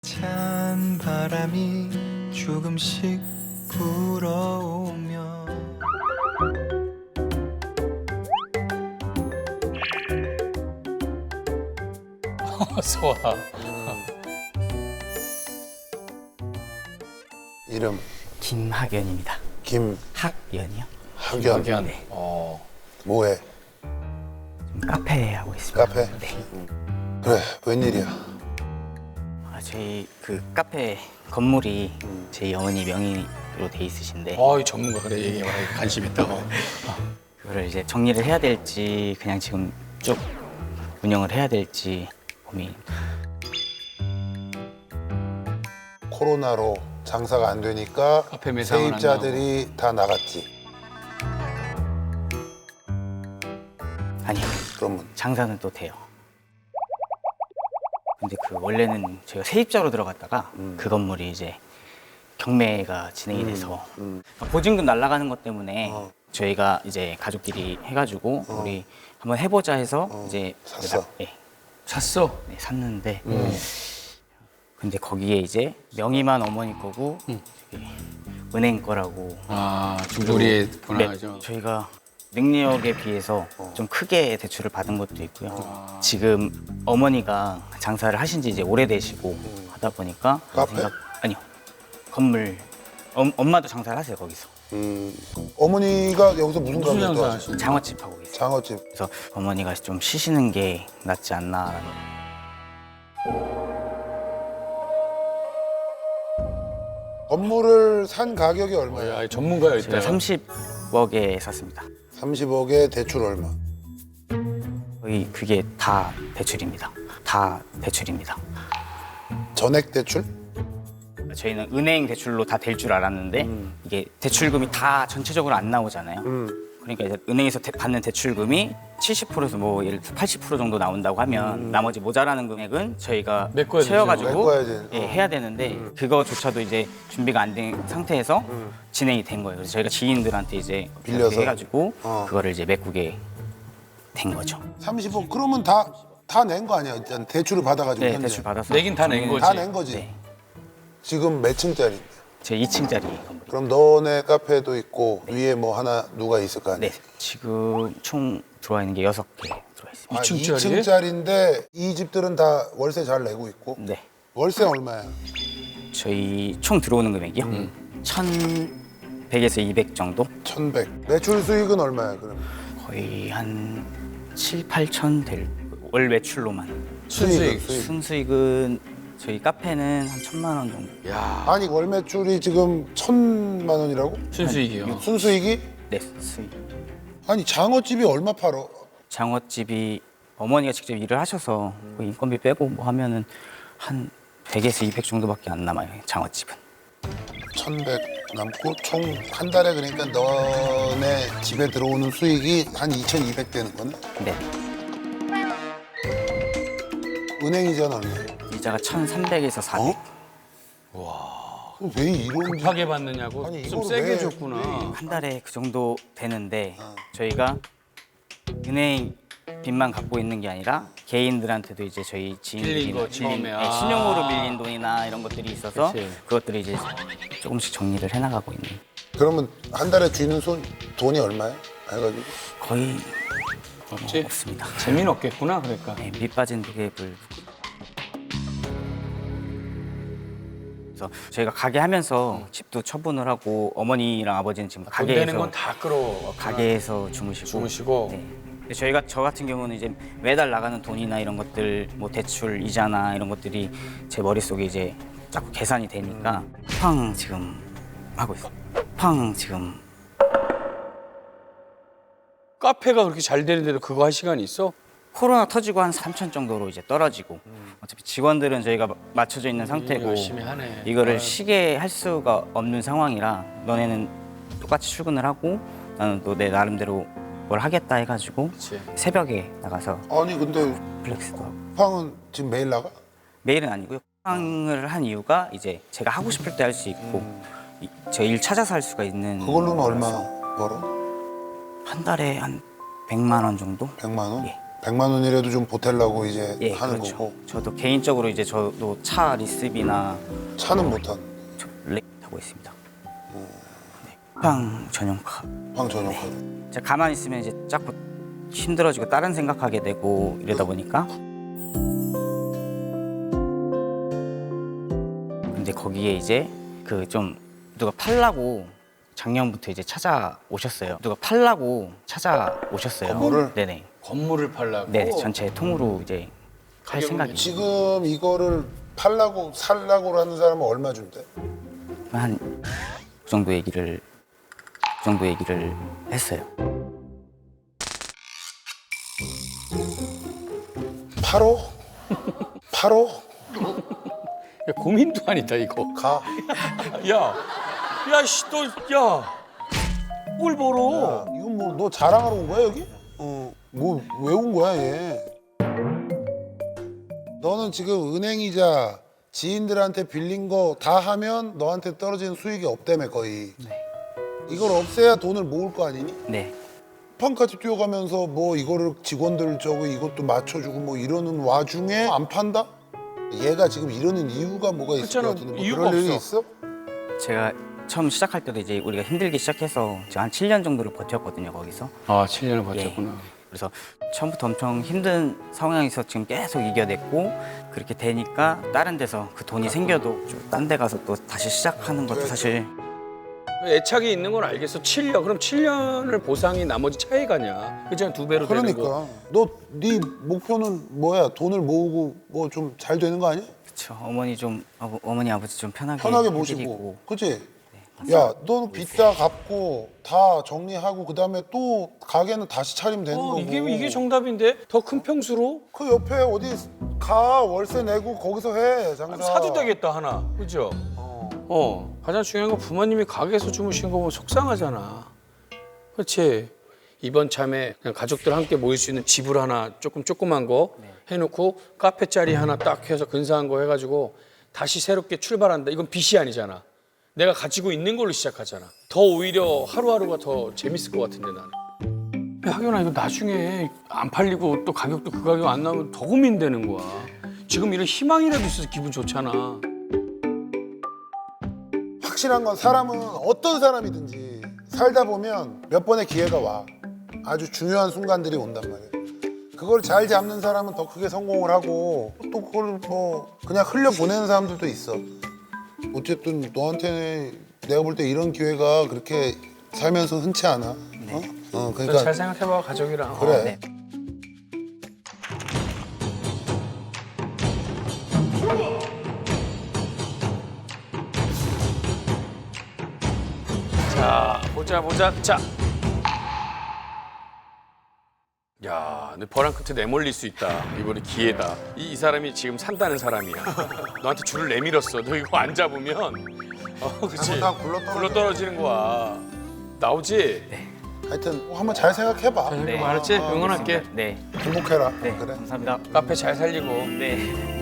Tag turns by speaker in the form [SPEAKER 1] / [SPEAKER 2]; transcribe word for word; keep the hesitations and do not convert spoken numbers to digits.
[SPEAKER 1] 찬 바람이 조금씩 불어오며
[SPEAKER 2] 소아.
[SPEAKER 3] 이름
[SPEAKER 4] 김학연입니다.
[SPEAKER 3] 김학연.
[SPEAKER 4] 학연이요? 네.
[SPEAKER 2] 어.
[SPEAKER 3] 뭐해?
[SPEAKER 4] 좀 카페 하고 있습니다.
[SPEAKER 3] 카페?
[SPEAKER 4] 네.
[SPEAKER 3] 그래, 웬일이야?
[SPEAKER 4] 아, 저희 그 카페 건물이 제 어머니 명의로 돼 있으신데
[SPEAKER 2] 어, 이 전문가 그래 얘기해 봐. 관심 있다고.
[SPEAKER 4] 그거를 이제 정리를 해야 될지 그냥 지금 쭉 운영을 해야 될지 고민.
[SPEAKER 3] 코로나로 장사가 안 되니까
[SPEAKER 2] 카페 매상은 안
[SPEAKER 3] 세입자들이 다 나갔지.
[SPEAKER 4] 아니요.
[SPEAKER 3] 그러면
[SPEAKER 4] 장사는 또 돼요. 근데 그 원래는 저희가 세입자로 들어갔다가
[SPEAKER 3] 음.
[SPEAKER 4] 그 건물이 이제 경매가 진행이 돼서
[SPEAKER 3] 음.
[SPEAKER 4] 보증금 날라가는 것 때문에
[SPEAKER 3] 어.
[SPEAKER 4] 저희가 이제 가족끼리 해가지고
[SPEAKER 3] 어.
[SPEAKER 4] 우리 한번 해보자 해서
[SPEAKER 3] 어.
[SPEAKER 4] 이제
[SPEAKER 3] 샀어?
[SPEAKER 4] 네,
[SPEAKER 2] 샀어.
[SPEAKER 4] 네, 샀는데
[SPEAKER 3] 음.
[SPEAKER 4] 근데 거기에 이제 명의만 어머니 거고 저기 은행 거라고
[SPEAKER 2] 아, 중소리에
[SPEAKER 4] 네,
[SPEAKER 2] 분할하죠.
[SPEAKER 4] 저희가 능력에 비해서
[SPEAKER 3] 어.
[SPEAKER 4] 좀 크게 대출을 받은 것도 있고요. 지금 어머니가 장사를 하신 지 이제 오래되시고 하다 보니까
[SPEAKER 3] 카페?
[SPEAKER 4] 아니요. 건물 엄, 엄마도 장사를 하세요, 거기서.
[SPEAKER 3] 음, 어머니가 여기서 무슨
[SPEAKER 2] 무슨
[SPEAKER 3] 가게
[SPEAKER 2] 장사
[SPEAKER 3] 또
[SPEAKER 2] 하시는?
[SPEAKER 4] 장어집 하고 계세요.
[SPEAKER 3] 장어집.
[SPEAKER 4] 그래서 어머니가 좀 쉬시는 게 낫지 않나.
[SPEAKER 3] 건물을 산 가격이 얼마야?
[SPEAKER 2] 야, 전문가야
[SPEAKER 4] 제가
[SPEAKER 2] 일단.
[SPEAKER 4] 삼십억에 샀습니다.
[SPEAKER 3] 삼십억에 대출 얼마?
[SPEAKER 4] 거의 그게 다 대출입니다. 다 대출입니다.
[SPEAKER 3] 전액 대출?
[SPEAKER 4] 저희는 은행 대출로 다 될 줄 알았는데 이게 대출금이 다 전체적으로 안 나오잖아요.
[SPEAKER 3] 음.
[SPEAKER 4] 그러니까 이제 은행에서 대- 받는 대출금이 칠십 퍼센트에서 뭐 예를 들어 팔십 퍼센트 정도 나온다고 하면 나머지 모자라는 금액은 저희가
[SPEAKER 2] 메꿔야 되죠.
[SPEAKER 4] 채워가지고
[SPEAKER 3] 메꿔야 돼.
[SPEAKER 4] 예,
[SPEAKER 3] 어.
[SPEAKER 4] 해야 되는데 그거조차도 이제 준비가 안 된 상태에서 진행이 된 거예요. 그래서 저희가 지인들한테 이제
[SPEAKER 3] 빌려서?
[SPEAKER 4] 그렇게 해가지고
[SPEAKER 3] 어.
[SPEAKER 4] 그거를 이제 메꾸게 된 거죠.
[SPEAKER 3] 삼십억 그러면 다 다 낸 거 아니야? 일단 대출을 받아가지고
[SPEAKER 4] 네,
[SPEAKER 3] 현재.
[SPEAKER 4] 대출 받아서
[SPEAKER 2] 내긴 다 낸 거지.
[SPEAKER 3] 다 낸 거지.
[SPEAKER 4] 네,
[SPEAKER 3] 지금 몇 층짜리인데?
[SPEAKER 4] 제 이 층짜리 건물이.
[SPEAKER 3] 그럼 너네 카페도 있고 위에 뭐 하나 누가 있을 거 아니야?
[SPEAKER 4] 네, 지금 총 들어와 있는 게 여섯 개 들어와 있습니다.
[SPEAKER 3] 아,
[SPEAKER 2] 이 층짜리?
[SPEAKER 3] 이 층짜리인데 이 집들은 다 월세 잘 내고 있고
[SPEAKER 4] 네,
[SPEAKER 3] 월세 얼마야?
[SPEAKER 4] 저희 총 들어오는 금액이요. 천백에서 이백 정도?
[SPEAKER 3] 천백. 매출 수익은 얼마야 그럼?
[SPEAKER 4] 거의 한 칠, 팔천 될 월 매출로만.
[SPEAKER 2] 순수익.
[SPEAKER 3] 수익.
[SPEAKER 4] 순수익은 저희 카페는 한 천만 원 정도.
[SPEAKER 2] 야,
[SPEAKER 3] 아니 월 매출이 지금 천만 원이라고?
[SPEAKER 2] 순수익이요.
[SPEAKER 3] 순수익이?
[SPEAKER 4] 네, 수익.
[SPEAKER 3] 아니 장어집이 얼마 팔어?
[SPEAKER 4] 장어집이 어머니가 직접 일을 하셔서 그 인건비 빼고 뭐 하면은 한 백에서 이백 정도밖에 안 남아요, 장어집은.
[SPEAKER 3] 천백 남고 총 한 달에 그러니까 너네 집에 들어오는 수익이 한 이천이백 되는 거네?
[SPEAKER 4] 네,
[SPEAKER 3] 은행 이자는 얼마야?
[SPEAKER 4] 이자가 천삼백에서 사백.
[SPEAKER 3] 그럼 왜 이런
[SPEAKER 2] 급하게 받느냐고
[SPEAKER 3] 아니,
[SPEAKER 2] 좀
[SPEAKER 3] 이거를
[SPEAKER 2] 세게
[SPEAKER 3] 왜-
[SPEAKER 2] 줬구나.
[SPEAKER 4] 한 달에 그 정도 되는데 저희가 은행 빚만 갖고 있는 게 아니라 개인들한테도 이제 저희 지인들이
[SPEAKER 2] 빌린 거 처음에.
[SPEAKER 4] 네,
[SPEAKER 2] 아.
[SPEAKER 4] 신용으로 빌린 돈이나 이런 것들이 있어서
[SPEAKER 2] 그치.
[SPEAKER 4] 그것들을 이제 조금씩 정리를 해나가고 있는.
[SPEAKER 3] 그러면 한 달에 쥐는 손 돈이 얼마야? 해가지고
[SPEAKER 4] 거의
[SPEAKER 2] 없지?
[SPEAKER 4] 없습니다.
[SPEAKER 2] 재미는 없겠구나 그러니까.
[SPEAKER 4] 네, 밑 빠진 독액을. 그래서 저희가 가게 하면서 집도 처분을 하고 어머니랑 아버지는 지금
[SPEAKER 2] 돈
[SPEAKER 4] 가게에서
[SPEAKER 2] 되는 건 다 끌어.
[SPEAKER 4] 가게에서 주무시고.
[SPEAKER 2] 주무시고.
[SPEAKER 4] 네. 근데 저희가 저 같은 경우는 이제 매달 나가는 돈이나 이런 것들, 뭐 대출 이자나 이런 것들이 제 머릿속에 이제 자꾸 계산이 되니까 팡 지금 하고 있어요. 팡 지금.
[SPEAKER 2] 카페가 그렇게 잘 되는데도 그거 할 시간이 있어?
[SPEAKER 4] 코로나 터지고 한 삼천 정도로 이제 떨어지고 어차피 직원들은 저희가 마- 맞춰져 있는 상태고
[SPEAKER 2] 열심히 하네.
[SPEAKER 4] 이거를
[SPEAKER 2] 아유.
[SPEAKER 4] 쉬게 할 수가 없는 상황이라 너네는 똑같이 출근을 하고 나는 또 내 나름대로 뭘 하겠다 해가지고
[SPEAKER 2] 그치.
[SPEAKER 4] 새벽에 나가서
[SPEAKER 3] 아니 근데
[SPEAKER 4] 플렉스도 하고
[SPEAKER 3] 쿠팡은 지금 매일 나가?
[SPEAKER 4] 매일은 아니고요. 쿠팡을 한 이유가 이제 제가 하고 싶을 때 할 수 있고 제 일 찾아서 할 수가 있는
[SPEAKER 3] 그걸로는 얼마
[SPEAKER 4] 거라서
[SPEAKER 3] 벌어?
[SPEAKER 4] 한 달에 한 백만 원 정도?
[SPEAKER 3] 백만 원?
[SPEAKER 4] 예.
[SPEAKER 3] 백만 원이라도 좀 보태려고 이제
[SPEAKER 4] 예,
[SPEAKER 3] 하는
[SPEAKER 4] 그렇죠.
[SPEAKER 3] 거고.
[SPEAKER 4] 저도 개인적으로 이제 저도 차 리스비나
[SPEAKER 3] 차는 못한
[SPEAKER 4] 저 렉 타고 있습니다. 네. 쿠팡 전용카.
[SPEAKER 3] 황 전용 카드.
[SPEAKER 4] 제가 가만히 있으면 이제 자꾸 힘들어지고 다른 생각하게 되고 이러다 보니까 근데 거기에 이제 그 좀 누가 팔라고 작년부터 이제 찾아오셨어요. 누가 팔라고 찾아오셨어요.
[SPEAKER 3] 건물을?
[SPEAKER 4] 네네.
[SPEAKER 2] 건물을 팔라고.
[SPEAKER 4] 네, 전체 통으로 이제 할
[SPEAKER 2] 가격은
[SPEAKER 4] 생각이
[SPEAKER 3] 지금 이거를 팔라고 살라고 하는 사람은 얼마 준대?
[SPEAKER 4] 한그 정도 얘기를 그 정도 얘기를 했어요.
[SPEAKER 3] 팔억? 팔억?
[SPEAKER 2] 야, 고민도 아니다 이거.
[SPEAKER 3] 가.
[SPEAKER 2] 야, 야, 씨, 너, 야, 뭘 벌어?
[SPEAKER 3] 이건 뭐 너 자랑하러 온 거야 여기? 어, 뭐 왜 온 거야 얘? 너는 지금 은행이자 지인들한테 빌린 거 다 하면 너한테 떨어지는 수익이 없다며 거의.
[SPEAKER 4] 네.
[SPEAKER 3] 이걸 없애야 돈을 모을 거 아니니?
[SPEAKER 4] 네.
[SPEAKER 3] 판까지 뛰어가면서 뭐 이거를 직원들 저거 이것도 맞춰주고 뭐 이러는 와중에 안 판다? 얘가 지금 이러는 이유가 뭐가 있을
[SPEAKER 2] 그렇잖아.
[SPEAKER 3] 것 같은데 뭐
[SPEAKER 2] 이유가
[SPEAKER 3] 그럴 일이
[SPEAKER 2] 없어.
[SPEAKER 3] 있어?
[SPEAKER 4] 제가 처음 시작할 때도 이제 우리가 힘들기 시작해서 제가 한 칠 년 정도를 버텼거든요 거기서.
[SPEAKER 2] 아, 칠 년을 버텼구나.
[SPEAKER 4] 그래서 처음부터 엄청 힘든 상황에서 지금 계속 이겨냈고 그렇게 되니까 다른 데서 그 돈이 생겨도 좀 딴 데 가서 또 다시 시작하는 것도 사실
[SPEAKER 2] 애착이 있는 건 알겠어. 칠 년. 그럼 칠 년을 보상이 나머지 차에 가냐? 그냥 두 배로 되는 거.
[SPEAKER 3] 그러니까 너 네 목표는 뭐야? 돈을 모으고 뭐 좀 잘 되는 거 아니야?
[SPEAKER 4] 그렇죠. 어머니 좀 어, 어머니 아버지 좀 편하게
[SPEAKER 3] 편하게
[SPEAKER 4] 해드리고.
[SPEAKER 3] 모시고, 그치? 야, 너는 빚 다 갚고 다 정리하고 그 다음에 또 가게는 다시 차리면 되는
[SPEAKER 2] 어,
[SPEAKER 3] 거고.
[SPEAKER 2] 이게 이게 정답인데 더 큰 평수로
[SPEAKER 3] 그 옆에 어디 가 월세 내고 거기서 해 장사.
[SPEAKER 2] 사도 되겠다 하나. 그죠?
[SPEAKER 3] 어.
[SPEAKER 2] 어, 가장 중요한 건 부모님이 가게에서 주무신 거 보면 속상하잖아. 그렇지? 이번 참에 그냥 가족들 함께 모일 수 있는 집을 하나 조금 조그만 거 해놓고 카페 자리 하나 딱 해서 근사한 거 해가지고 다시 새롭게 출발한다. 이건 빚이 아니잖아. 내가 가지고 있는 걸로 시작하잖아. 더 오히려 하루하루가 더 재밌을 것 같은데 나는. 야, 하경아 이거 나중에 안 팔리고 또 가격도 그 가격 안 나오면 더 고민되는 거야. 지금 이런 희망이라도 있어서 기분 좋잖아.
[SPEAKER 3] 확실한 건 사람은 어떤 사람이든지 살다 보면 몇 번의 기회가 와. 아주 중요한 순간들이 온단 말이야. 그걸 잘 잡는 사람은 더 크게 성공을 하고 또 그걸 뭐 그냥 흘려 보내는 사람들도 있어. 어쨌든 너한테 내가 볼 때 이런 기회가 그렇게 살면서 흔치 않아. 어? 어,
[SPEAKER 2] 잘
[SPEAKER 3] 그러니까
[SPEAKER 2] 생각해봐 가족이랑.
[SPEAKER 3] 그래.
[SPEAKER 2] 어.
[SPEAKER 4] 네.
[SPEAKER 2] 자, 보자 보자. 자. 야, 너 벼랑 끝에 내몰릴 수 있다. 이번에 기회다. 이, 이 사람이 지금 산다는 사람이야. 너한테 줄을 내밀었어. 너 이거 안 잡으면 어, 그렇지.
[SPEAKER 3] 잘못하면 굴러떨어져.
[SPEAKER 2] 굴러 떨어지는 거야. 나오지?
[SPEAKER 3] 하여튼 뭐 한번 잘 생각해봐.
[SPEAKER 2] 네. 알았지? 응원할게.
[SPEAKER 4] 네.
[SPEAKER 3] 행복해라.
[SPEAKER 4] 네.
[SPEAKER 3] 그래.
[SPEAKER 4] 감사합니다.
[SPEAKER 2] 카페 잘 살리고.
[SPEAKER 4] 네.